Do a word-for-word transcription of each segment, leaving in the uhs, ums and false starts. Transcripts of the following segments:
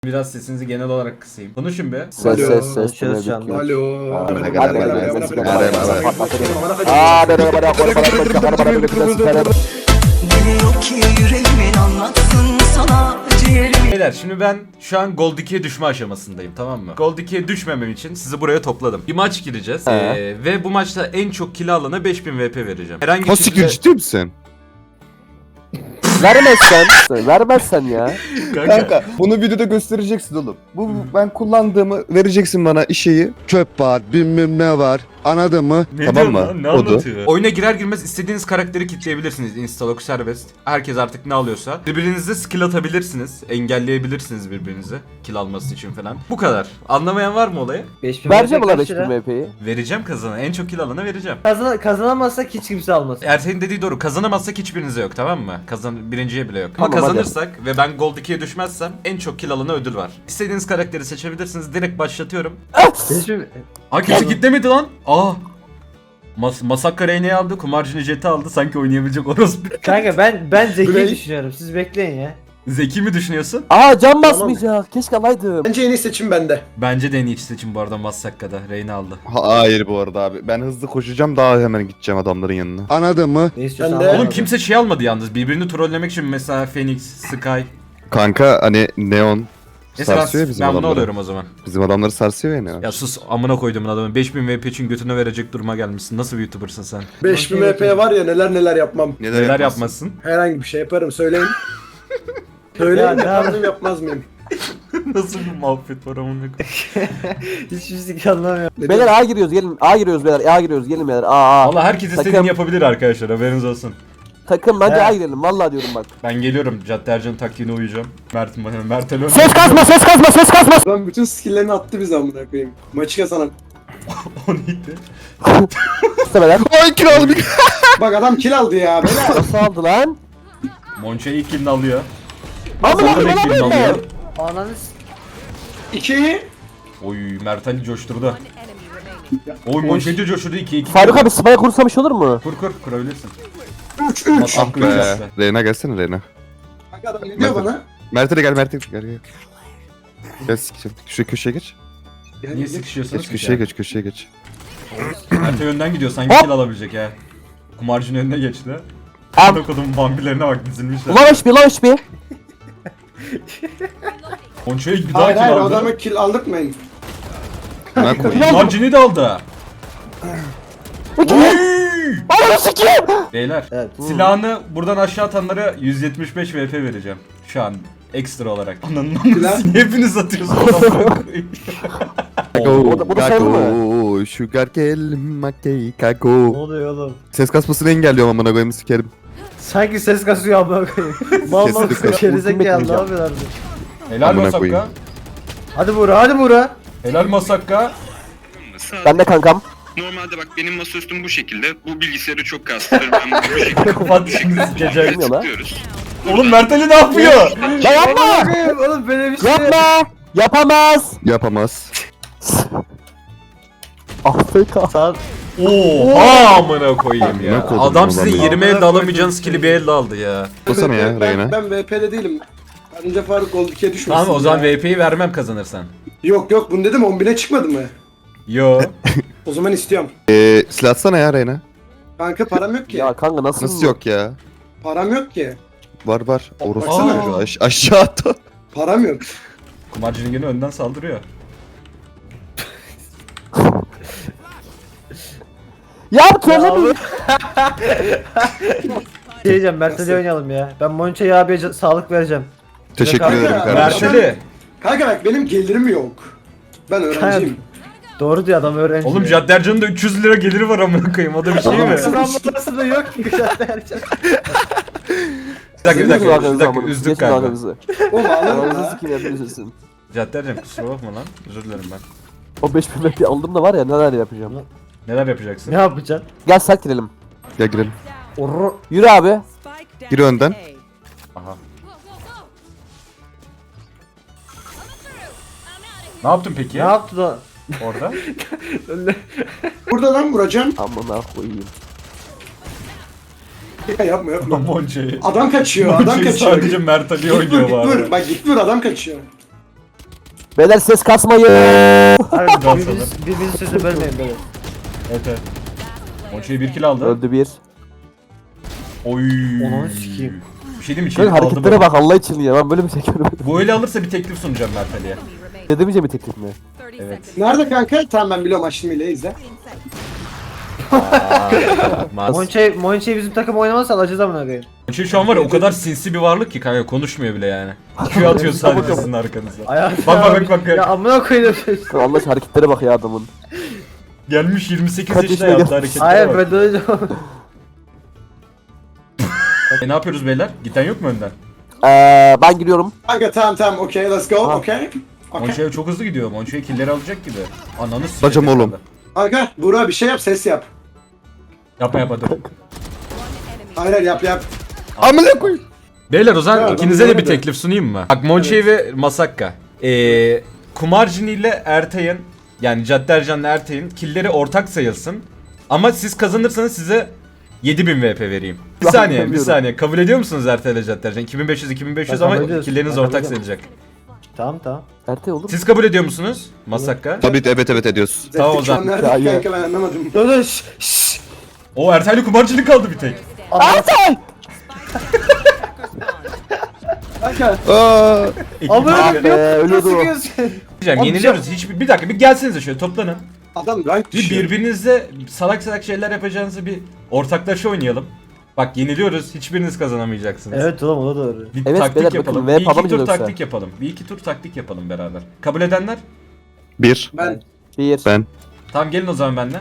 Biraz sesinizi genel olarak kısayım. Konuşun be. Ses ses ses. Konuşuyoruz şu anda. Alo. Biliyor ki yüreğimin anlatsın sana ciğerimi. Beyler şimdi ben şu an Gold ikiye düşme aşamasındayım, tamam mı? Gold ikiye düşmemem için sizi buraya topladım. Bir maç gireceğiz He. ee, ve bu maçta en çok kill alana beş bin V P vereceğim. Herhangi Hasik ciddi misin? Vermezsen, vermezsen ya. Kanka. Kanka bunu videoda göstereceksin oğlum. Bu ben kullandığımı vereceksin bana işeyi. Çöp var, bilmem ne var. Anladın mı? Ne Tamam diyor mı? lan? Ne Odu. anlatıyor? Oyuna girer girmez istediğiniz karakteri kitleyebilirsiniz. Instalok serbest. Herkes artık ne alıyorsa. Birbirinize skill atabilirsiniz. Engelleyebilirsiniz birbirinizi. Kill alması için falan. Bu kadar. Anlamayan var mı olayı? beş bin Vereceğim ulan kaç beş lira? bin V P'yi. Vereceğim kazana. En çok kill alana vereceğim. Kazan kazanamazsak hiç kimse almasın. Ersen'in dediği doğru. Kazanamazsak hiçbirinize yok, tamam mı? Kazan birinciye bile yok. Tamam, Ama kazanırsak ve ben Gold ikiye düşmezsem en çok kill alana ödül var. İstediğiniz karakteri seçebilirsiniz. Direkt başlatıyorum. beş bin Aa, kimse kitlemedi lan. Aa. Mas Masakka Reyne'yi aldı. Kumarcı Jet'i aldı. Sanki oynayabilecek orospu. Kanka ben ben zeki Burayı- düşünüyorum. Siz bekleyin ya. Zeki mi düşünüyorsun? Aa can basmayacak. Keşke alaydım. Bence en iyi seçim bende. Bence de en iyi seçim bu arada Masakka'da. Reyne aldı. Hayır bu arada abi. Ben hızlı koşacağım daha hemen gideceğim adamların yanına. Anladın mı? Ne istiyorsan Ben de- al. Oğlum kimse şey almadı yalnız. Birbirini trollemek için mesela Phoenix, Sky. Kanka hani Neon Neyse ben, sarsıyor ya bizim ben bunu adamları. alıyorum o zaman. Bizim adamları sarsıyor ya Neon. Ya sus, amına koyduğumun adamı. beş bin V P için götüne verecek duruma gelmişsin. Nasıl bir YouTuber'sın sen? beş bin V P'ye var ya neler neler yapmam. Neler yapmasın? Herhangi bir şey yaparım söyleyin. Söyleyin Ya, ne yapar yap- mıyım yapmaz mıyım? Nasıl bir muhabbet var amına koyayım? Hiçbir şey anlamıyorum. Ne Beyler A giriyoruz gelin. A giriyoruz beyler. A giriyoruz gelin beyler. A A. Valla herkes istediğini Takım- yapabilir arkadaşlar, haberiniz olsun. Takım bence He. A girelim. Vallahi diyorum bak. Ben geliyorum, Cadde Ercan taktiğine uyacağım. Mert, Mert Elön. Ses kasma ses kasma ses kasma. Ben bütün skill'lerini attı bize amına koyayım. Maçı kazanan. O neydi? İstemeler. Ay kiralı bir... Bak adam kill aldı ya beyler. Nasıl aldı lan? Monçe ilk kilini alıyor. Amına Hasan da ilk kilini koyayım alıyor. ben. Ananı s- İki. Oy, Mert Ali coşturdu. Oy, Monçe'ci coşturdu, iki iki. Faruk abi spaya kursam iş olur mu? Kur kur, kurabilirsin. Üç üç. Masakka üç Be. yaptı. Reyna gelsene Reyna. Bak adam ne diyor bana? Mert'e de gel Mert'e gel gel. Gel sikeceğim. Şu köşeye geç. Yani Niye sıkışıyorsunuz Geç ki köşeye ya? geç köşeye geç. Mert önden gidiyor, sanki kill alabilecek ha. Kumarcının önüne geçti. Am. Am. Kodum bambilerine bak, dizilmişler. Ulan H P lan H P. Monçe'ye bir daha Hayır kill hayır aldı. adamı kill aldırtmayın. Ben koyayım. Kumarcını da aldı. Ananı sikeyim. Beyler, Evet. silahını buradan aşağı atanlara yüz yetmiş beş V P vereceğim. Şu an ekstra olarak. Ananın Silah- amına hepiniz atıyorsunuz. amına koyayım. Bu da- bu da sayılır Kako, sugar gel makey Ne kako. oluyor oğlum? Ses kasmasını engelliyorum amına koyayım sikerim. Sanki ses kasıyor amına koyayım. Mal mal Kesinlikle. gerizekalı ne Ultimate yapıyorlar? Helal Amına Masakka. koyayım. Hadi Buğra hadi Buğra. Helal Masakka. Ben de kankam. Normalde bak benim masaüstüm bu şekilde. Bu bilgisayarı çok kastırır. Ben bu şekilde Kapat şimdi sikeceğim. Bilmiyor lan. tıklıyoruz. Oğlum Mert Ali ne yapıyor? Ya yapma. Koyayım, Oğlum böyle bir şey. Yapma. Yapamaz. Yapamaz. Afrika. Sağ Oha amına koyayım ya. Ne kodum Adam ulan sizin ya. yirmi elde alamayacağınız skill'i bir elde aldı ya. Basana ya ben, Reyna. ben V P'de değilim. Bence Faruk Gold ikiye düşmesin. Tamam o zaman ya. V P'yi vermem kazanırsan. Yok yok bunu dedim on bine çıkmadı mı? Yo. O zaman istiyorum. Eee silah atsana ya Reyna. Kanka param yok ki. Ya kanka nasıl? Nasıl yok ya? Param yok ki. Var var. Orası Baksana. Aş aşağı at. Param yok. Kumarcının gene önden saldırıyor. Ya trolle mi? Şey diyeceğim Mert Ali oynayalım ya. Ben Monçe'ye abiye ca- sağlık vereceğim. Teşekkür Kanka, ederim Mert kardeşim. Mert Ali. Kanka bak benim gelirim yok. Ben öğrenciyim. Doğru diyor adam öğrenci. Oğlum Cadde Ercan'ın da üç yüz lira geliri var amına koyayım. O da bir şey mi? Sınav numarası yok ki zaten. Bir dakika bir dakika. Bir Arkanızı dakika amına. üzdük Geçin galiba. arkanızı. Oğlum ağlarım Arkanızı ha. sikeyim hepiniz üzülsün. Cadde Ercan kusura bakma lan. Özür dilerim ben. O beş bin V P aldım da var ya neler yapacağım. Neler yapacaksın? Ne yapacaksın? Gel sak girelim. Gel girelim. Orro. Yürü abi. Gir önden. Aha. Ne yaptın peki Ne yaptı da? orada? Burada lan vuracağım. Amına koyayım. Ya yapma yapma. Monçe'yi. Adam kaçıyor, adam Monçe'yi kaçıyor. sadece Mert Ali Git vur, oynuyor git bu vur. arada. Bak git vur adam kaçıyor. Beyler ses kasmayın. Abi Biraz birbiriniz, birbirinizin sözünü bölmeyin böyle. Evet evet. Monço'yu bir kill aldı. Öldü bir. Oy. Onu sikeyim. Bir şey diyeyim mi? Şöyle Çelik aldı hareketlere böyle. bak Allah için ya. Ben böyle bir şey görmedim. Bu öyle alırsa bir teklif sunacağım Mert Ali'ye. Ne demeyeceğim bir teklif mi? Evet. Nerede kanka? Tamam ben biliyorum açtım ile izle. Mas. Monçe, Monçe bizim takım oynamazsa alacağız amına koyayım. Monço şu an var ya o kadar sinsi bir varlık ki kanka konuşmuyor bile yani. Q atıyor sadece sizin arkanıza. Hayatım. Bak, bak, bak, bak. Ya amına koyayım. Allah aşkına hareketlere bak ya adamın. Gelmiş yirmi sekiz Kaç yaşına yaşına yaptı gelmiş? hareketlere Hayır bak. ben de öleceğim. E, ne yapıyoruz beyler? Giden yok mu önden? Ee, ben giriyorum. Kanka tamam tamam okey let's go Ha. okey. Okay. Monço çok hızlı gidiyor. Monço'ya killleri alacak gibi. Ananı s***. Bacım oğlum. Kanka Burak bir şey yap ses yap. Yapma yapma dur. Hayır hayır yap yap. Amına koy. Beyler o zaman Ya, ikinize de bir ben teklif sunayım mı? Bak Monçe ve Masakka. Ee, Kumarcini ile Ertay'ın yani Caddercan'la Ertay'ın killleri ortak sayılsın. Ama siz kazanırsanız size yedi bin V P vereyim. Bir Ben saniye bir bilmiyorum. saniye. Kabul ediyor musunuz Ertay ile Caddercan? iki bin beş yüz iki bin beş yüz Ben ama kabul ediyoruz. killeriniz Ben ortak kabul sayılacak. Tamam tamam. Ertay olur mu? Siz kabul ediyor musunuz Masakka? Tabii evet evet ediyoruz. Tamam o zaman. Nerede Ya, ya. kanka ben anlamadım. Dur dur şşş şşş. O Ertay'la Kumarcini kaldı bir tek. Ertay! Kanka Aa, Amına Ah koyayım be, yok. ölüyordu Nasıl o. sıkıyorsun? Diyeceğim Abi, yeniliyoruz. Hiç bir dakika bir gelsenize şöyle toplanın. adam rank Bir düşüyor. birbirinizle salak salak şeyler yapacağınızı bir ortaklaşa oynayalım. Bak yeniliyoruz. Hiçbiriniz kazanamayacaksınız. Evet oğlum o da doğru. Bir Evet, taktik beyler, yapalım. bakın, Bir V iki tur yapamayacağız yoksa. taktik yapalım. Bir iki tur taktik yapalım beraber. Kabul edenler? bir. Ben Bir. Ben. Tamam gelin o zaman benimle.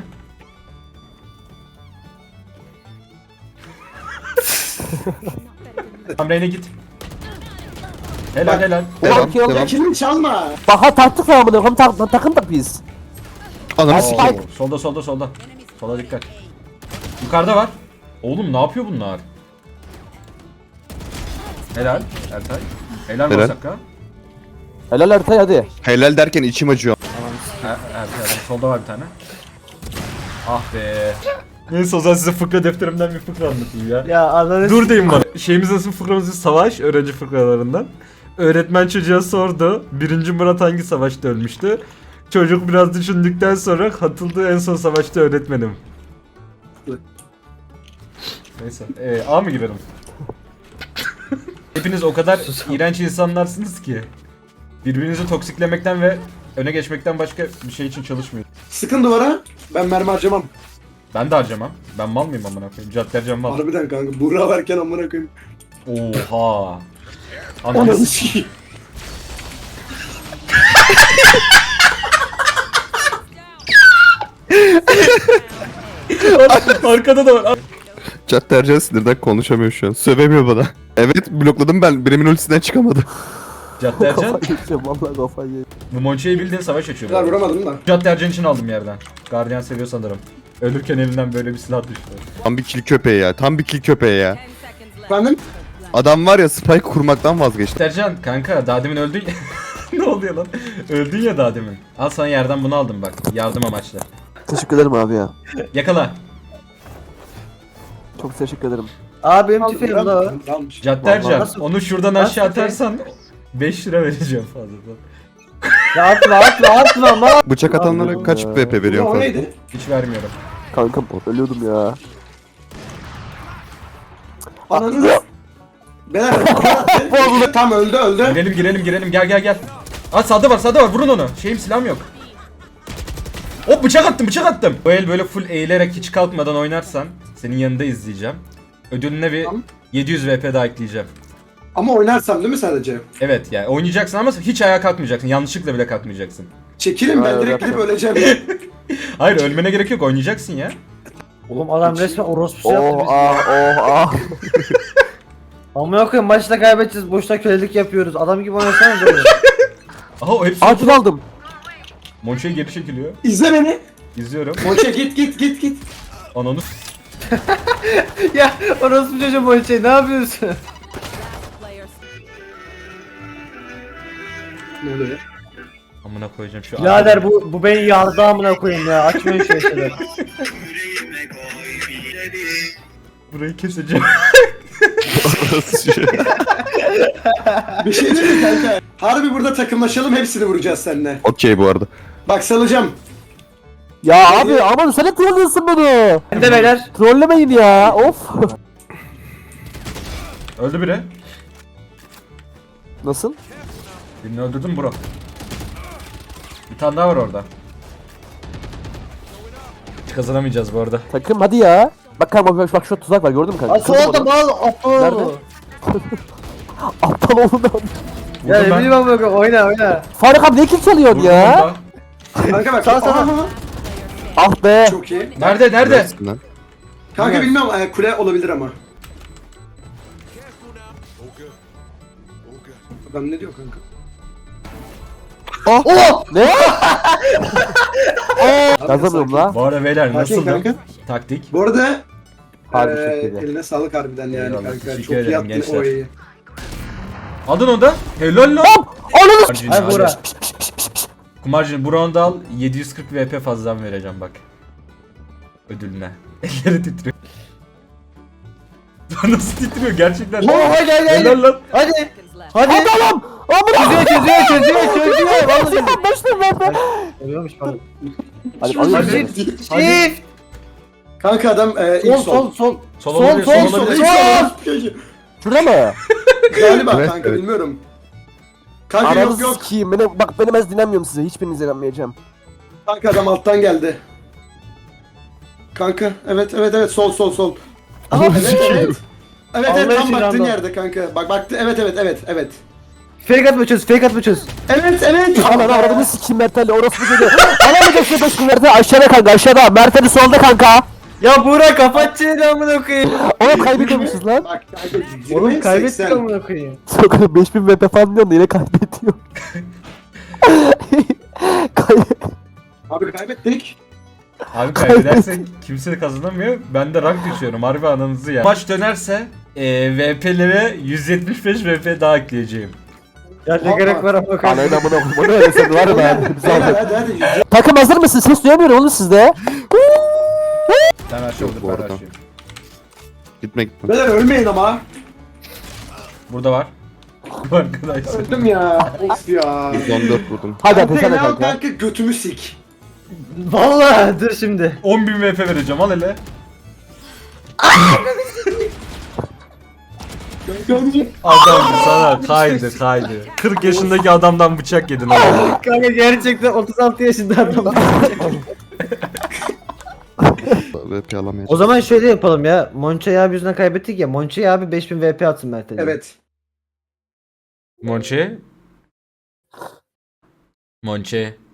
Tamam Reyne git. Helal Bak. helal. Devam Ulan, devam. kilimi çalma. Bak ha taktık ya amına koyayım tak, takım da biz. Ananı Oo, sikeyim. solda solda solda. Sola dikkat. Yukarıda var. Oğlum ne yapıyor bunlar? Helal Ertay. Helal Helal. Masakka. Helal Ertay hadi. Helal derken içim acıyor. Er, Ertay adam. Solda var bir tane. Ah be. Neyse o zaman size fıkra defterimden bir fıkra anlatayım ya. Ya ananı Dur deyin bana. Şeyimiz nasıl fıkramızı savaş öğrenci fıkralarından. Öğretmen çocuğa sordu. Birinci Murat hangi savaşta ölmüştü? Çocuk biraz düşündükten sonra katıldığı en son savaşta öğretmenim. Neyse. Ee, A mı girelim? Hepiniz o kadar iğrenç insanlarsınız ki. Birbirinizi toksiklemekten ve öne geçmekten başka bir şey için çalışmıyor. Sıkın duvara. Ben mermi harcamam. Ben de harcamam. Ben mal mıyım amına koyayım? Caddercan mal. Harbiden kanka Burak varken amına koyayım. Oha. Ananı Ananı sikeyim. Arkada da var. Caddercan sinirden konuşamıyor şu an. Sövemiyor bana. Evet blokladım ben. Birimin ultisinden çıkamadı. Caddercan. Kafayı yiyeceğim vallahi kafayı yiyeceğim. Bu Monçe'yi bildiğin savaş açıyor. Kadar bu arada. vuramadım da. Caddercan için aldım yerden. Guardian seviyor sanırım. Ölürken elinden böyle bir silah düştü. Tam bir kill köpeği ya. Tam bir kill köpeği ya. Efendim? Adam var ya spike kurmaktan vazgeçti. Caddercan kanka daha demin öldün ya. Ne oluyor lan? Öldün ya daha demin. Al sana yerden bunu aldım bak. Yardım amaçlı. Teşekkür ederim abi ya. Yakala. Çok teşekkür ederim. Abi benim tüfeğim la o. Tamammış. Caddercan Nasıl- onu şuradan Nasıl aşağı tüfeği? atarsan beş lira vereceğim fazladan. Ya atma atma atma ama. Bıçak atanlara kaç V P O veriyorsun fazla? neydi? Hiç vermiyorum. Kankam ölüyordum ya. Ananı. Beyler. Tam öldü öldü. Girelim girelim girelim gel gel gel. Aa sağda var sağda var vurun onu. Şeyim silahım yok. Hop bıçak attım bıçak attım. Bu el böyle full eğilerek hiç kalkmadan oynarsan senin yanında izleyeceğim. Ödülüne bir Tamam. yedi yüz V P daha ekleyeceğim. Ama oynarsam değil mi sadece? Evet yani oynayacaksın ama hiç ayağa kalkmayacaksın. Yanlışlıkla bile kalkmayacaksın. Çekilin ben Hayır, direkt gidip yapacağım. öleceğim. Hayır ölmene gerek yok oynayacaksın ya. Oğlum adam resmen orospusu yaptı Oh bizi. ah oh ah. Amına koyayım maçta kaybedeceğiz boşta kölelik yapıyoruz. Adam gibi oynasanız oğlum. Aha o hepsi Acil aldım. Monçe'ye geri çekiliyor. İzle beni. İzliyorum. Monçe git git git git. Ananı Ya orospu çocuğum bu şey ne yapıyorsun? Ne oluyor? amına koyacağım şu Birader bu bu beni yardı amına koyayım ya. Açmayın şu şeyleri. burayı keseceğim. Bir şey değil mi kanka? Harbi burada takımlaşalım, hepsini vuracağız seninle. Okey bu arada. Bak salacağım. Ya abi aman sen hep trollüyorsun beni. Ben de beyler. Trollemeyin ya. Of. Öldü biri. Nasıl? Birini öldürdüm bro. Bir tane daha var orada. Hiç kazanamayacağız bu arada. Takım hadi ya. Bak kanka bak, bak şu tuzak var gördün mü kanka? Asıl Kırdım oldu onu. mal aptal Nerede? oldu. Aptal oğlum ben. Ya Vurdum ne ben. bileyim amına koyayım oyna oyna. Faruk abi ne kill çalıyorsun Vurdum ya? onu da. Kanka bak. Sağ, sağ. Aha, Ah be. Çok iyi. Nerede nerede? Neresinden? Kanka bilmiyorum, e, kule olabilir ama. Adam ne diyor kanka? Oh! Ne? Yazamıyorum la. Bu arada beyler Sakin nasıl kanka. taktik? Bu arada Harbi e, çok iyi. eline sağlık harbiden yani Eyvallah, kanka. teşekkür Çok iyi ederim yaptın gençler. o iyi. Aldın onu da. Helal lan. Ananı Kumarcını Ay hadi. Buğra. Kumarcını bu round'u al. yedi yüz kırk V P fazladan vereceğim bak. Ödülüne. Elleri titriyor. Nasıl titriyor gerçekten? Oha gel gel. Helal lan. Hadi. Hadi. Hadi oğlum. Amına. Çözüyor çözüyor çözüyor çözüyor. Vallahi. Başlayın lan be. Oluyormuş pardon. Hadi Hadi. hadi. Shift. Kanka adam e, ilk Sol sol sol. Sol Sol, olabilir, sol, sol sol, olabilir. sol. Şurada mı? Galiba Evet, kanka evet. bilmiyorum. Kanka yok Aranızı yok. sikiyim. Beni, bak beni ben dinlemiyorum size. Hiçbirinizi dinlemeyeceğim. Kanka adam alttan geldi. Kanka evet evet evet sol sol sol. Aha, Evet evet. Evet Allah evet tam için baktığın random. yerde kanka. Bak baktı evet evet evet evet. Fake atma çöz, fake atma çöz. Evet evet. Aman aradığını sikiyim Mertel'le. Orası bir dedi. Alamayacaksın beş bin Mertel. Aşağıda kanka aşağıda. Mertel'i solda kanka. Ya Buğra kapat çeneni amına koyayım. Oğlum kaybediyormuşuz lan. Bak kanka Oğlum yirmi kaybettik seksen. amına koyayım. Sokak beş bin V P falan diyorsun da yine kaybediyor. Kay- Abi kaybettik. Abi kaybedersen kimse kazanamıyor. Ben de rank düşüyorum. Harbi ananızı ya. Maç dönerse e, V P'lere yüz yetmiş beş V P daha ekleyeceğim. Ya ne gerek var amına koyayım. Anayın amına koyayım. O ne öyle sen var mı ben? Hadi hadi hadi. Takım hazır mısın? Ses duyamıyorum oğlum sizde. Ben her şey olur bu ben arada. her şey. Gitme gitme. Beyler ölmeyin ama. Burada var. Bu arkadaşlar. Öldüm ya. Of ya. yüz on dört vurdum. Hadi Kanka hadi sen de ne al kanka. kanka götümü sik. Vallahi dur şimdi. on bin V P vereceğim al hele. Adam sana kaydı kaydı. kırk yaşındaki adamdan bıçak yedin oğlum. Kanka gerçekten otuz altı yaşında adam. V P alamayacağım. O zaman şöyle yapalım ya. Monçay abi yüzünden kaybettik ya. Monçay abi beş bin V P atsın Mert'e. Evet. Monçe. Monçe.